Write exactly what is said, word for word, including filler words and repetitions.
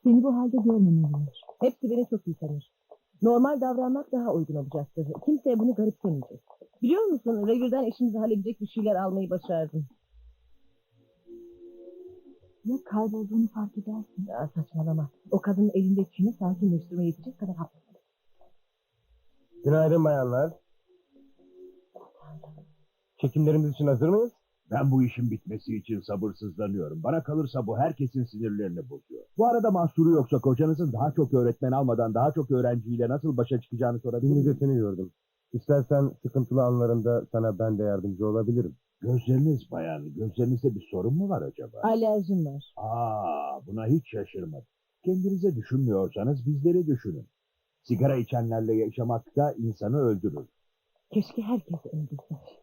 Seni bu halde görmemeliler. Hepsi beni çok iyi tanır. Normal davranmak daha uygun olacaktır. Kimse bunu garipsemeyecek. Biliyor musun, revirden işimizi halledecek bir şeyler almayı başardım. Ya kaybolduğunu fark edersin. Ya saçmalama. O kadının elinde Çin'i sakinleştirmeye yetecek kadar haklı. Günaydın bayanlar. Çekimlerimiz için hazır mıyız? Ben bu işin bitmesi için sabırsızlanıyorum. Bana kalırsa bu herkesin sinirlerini bozuyor. Bu arada mahsuru yoksa kocanızın daha çok öğretmen almadan daha çok öğrenciyle nasıl başa çıkacağını sorabilir Şimdi de miyim? seni gördüm. İstersen sıkıntılı anlarında sana ben de yardımcı olabilirim. Gözleriniz bayan, gözlerinizde bir sorun mu var acaba? Alerjim var. Aa, buna hiç şaşırmadım. Kendinize düşünmüyorsanız bizleri düşünün. Sigara içenlerle yaşamak da insanı öldürür. Keşke herkes öldürse.